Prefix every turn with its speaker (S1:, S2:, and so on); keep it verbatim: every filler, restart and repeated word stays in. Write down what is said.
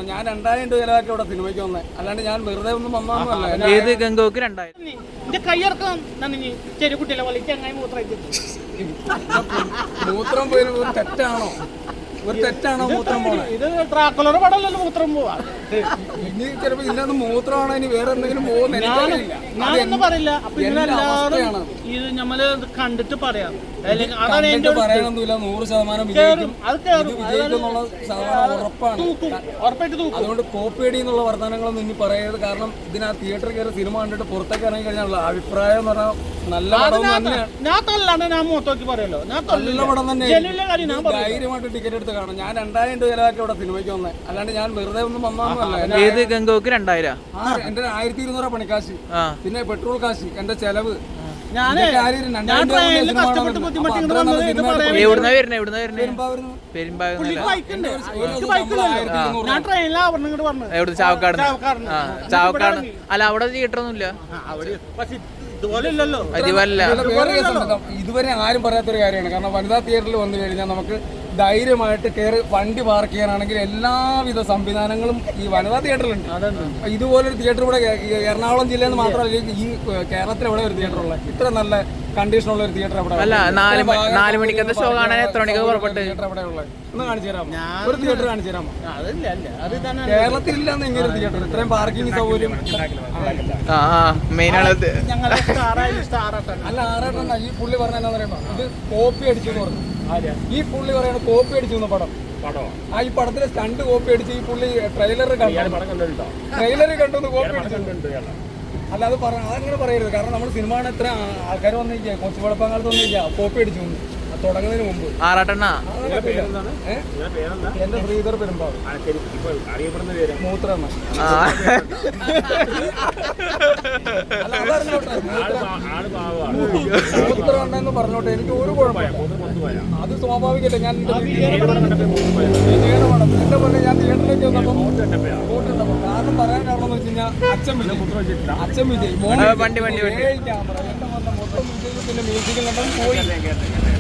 S1: ഞാൻ രണ്ടായിരം രൂപ ചിലവാക്കി ഇവിടെ സിനിമയ്ക്ക് വന്നേ, അല്ലാണ്ട് ഞാൻ വെറുതെ ഒന്നും വന്നല്ല.
S2: ഏത് ഗംഗോക്ക് രണ്ടായിരം
S3: കയ്യിറക്കാം ചെറുകുട്ടിയിലെ പോലെ ചങ്ങായി മൂത്രം
S1: മൂത്രം പോയി തെറ്റാണോ? ഒരു തെറ്റാണോ മൂത്രം പോണേ?
S3: ഇത് ട്രാക്കുലർ പടമല്ലല്ലോ മൂത്രം പോവാ.
S1: ഇനി ചിലപ്പോ ഇല്ലാന്ന് മൂത്രമാണോ ഇനി വേറെ എന്തെങ്കിലും പോകുന്ന
S3: ഞാനൊന്നും പറയില്ല. അപ്പൊ ഇതിനെല്ലാവരും ഇത് നമ്മള് കണ്ടിട്ട് പറയാം.
S1: പറയാനൊന്നുമില്ല, നൂറ് ശതമാനം വിജയിക്കും വിജയിക്കുന്നുള്ള ശതമാനം ഉറപ്പാണ്.
S3: ഉറപ്പായിട്ട്
S1: അതുകൊണ്ട് കോപ്പിയടി എന്നുള്ള വർത്തമാനങ്ങളൊന്നും ഇനി പറയരുത്. കാരണം ഇതിനാ തിയേറ്ററിൽ കയറി സിനിമ കണ്ടിട്ട് പുറത്തേക്ക് ഇറങ്ങി കഴിഞ്ഞാൽ അഭിപ്രായം എന്ന് പറഞ്ഞാൽ നല്ല പടം തന്നെയാണ്.
S3: ഞാൻ തള്ളാണ്ട് ഞാൻ മൂത്തോക്കി പറയല്ലോ,
S1: നല്ല പടം തന്നെ. ധൈര്യമായിട്ട് ടിക്കറ്റ് എടുത്ത് കാണാം. ഞാൻ രണ്ടായിരം രൂപ ചിലവാക്കി ഇവിടെ സിനിമയ്ക്ക് വന്നേ, അല്ലാണ്ട് ഞാൻ വെറുതെ ഒന്നും വന്നല്ല.
S2: ഏത് ഗംഗോക്ക് രണ്ടായിരം
S1: എന്റെ ആയിരത്തി ഇരുന്നൂറ് പണിക്കാശ്, പിന്നെ പെട്രോൾ കാശ്, എന്റെ ചെലവ്.
S2: എവിടുന്നാ വരുന്നത്? എവിടുന്നാ വരുന്നത്? എവിടെ? ചാവക്കാട്. ചാവക്കാട് അല്ല, അവിടെ തിയേറ്റർ ഒന്നും ഇല്ല.
S1: ഇതുവരെ ആരും പറയാത്തൊരു കാര്യമാണ്. കാരണം വനിതാ തിയേറ്ററിൽ വന്നു കഴിഞ്ഞാൽ നമുക്ക് ധൈര്യമായിട്ട് കയറി വണ്ടി പാർക്ക് ചെയ്യാനാണെങ്കിൽ എല്ലാവിധ സംവിധാനങ്ങളും ഈ വനിതാ തിയേറ്ററിലുണ്ട്. ഇതുപോലൊരു തിയേറ്റർ ഇവിടെ എറണാകുളം ജില്ലയിൽ നിന്ന് മാത്രമല്ല, ഈ കേരളത്തിൽ എവിടെ ഒരു തിയേറ്റർ ഉള്ളത് ഇത്ര നല്ല കണ്ടീഷനുള്ള ഒരു തിയേറ്റർ എവിടെ?
S2: അല്ല, നാല് മണിക്കത്തെ ഷോ കാണാൻ എത്ര മണിക്ക് പുറപ്പെട്ട്
S1: തിയേറ്റർ എവിടെ ഉള്ളത്? ഒന്ന് കാണിച്ചു തരാമോ? ഒരു തിയേറ്റർ കാണിച്ചു തരാമോ? കേരളത്തിൽ ഇല്ലാന്ന് ഇങ്ങനെ തിയേറ്റർ, ഇത്രയും പാർക്കിംഗ് സൗകര്യം.
S2: മെയിൻ ആണത്.
S1: അല്ല, ആറാട്ടണ്ട ഈ പുള്ളി പറഞ്ഞ എന്താ പറയുമ്പോ ഇത് കോപ്പി അടിച്ചു എന്ന് പറഞ്ഞു. ഈ പുള്ളി പറയണ കോപ്പി അടിച്ചു എന്ന പടം. ആ ഈ പടത്തിലെ സ്റ്റണ്ട് കോപ്പി അടിച്ച് ഈ പുള്ളി ട്രെയിലർ കണ്ടു. ട്രെയിലർ കണ്ടു കോപ്പി അടിച്ചിട്ടുണ്ട്. അല്ല, അത് പറ അതങ്ങനെ പറയരുത്. കാരണം നമ്മൾ സിനിമ കാണാൻ എത്ര ആൾക്കാർ വന്നിരിക്കുക, കൊച്ചു കുഴപ്പകാലത്ത് വന്നിരിക്കുക, കോപ്പി അടിച്ചു തുടങ്ങുന്നതിന് മുമ്പ്.
S2: ആറാട്ടെണ്ണ
S1: എന്റെ ശ്രീധർ പെരുമ്പാവ് മൂത്രണ്ണ. മൂത്രണ്ടെന്ന് പറഞ്ഞോട്ടെ, എനിക്ക് ഒരു കുഴപ്പമില്ല, അത് സ്വാഭാവികമല്ലേ. ഞാൻ എന്റെ പോലെ ഞാൻ തിയേറ്ററിലേക്ക് വന്നപ്പോൾ വോട്ടുണ്ടപ്പോൾ കാരണം പറയാൻ കാരണം എന്ന് വെച്ച് കഴിഞ്ഞാൽ അച്ഛൻ വിജയ് അച്ഛൻ വിജയ് ക്യാമറ എന്റെ വന്ന മൊത്തം വിജയ് പിന്നെ മ്യൂസിക്കിൽ പോയി.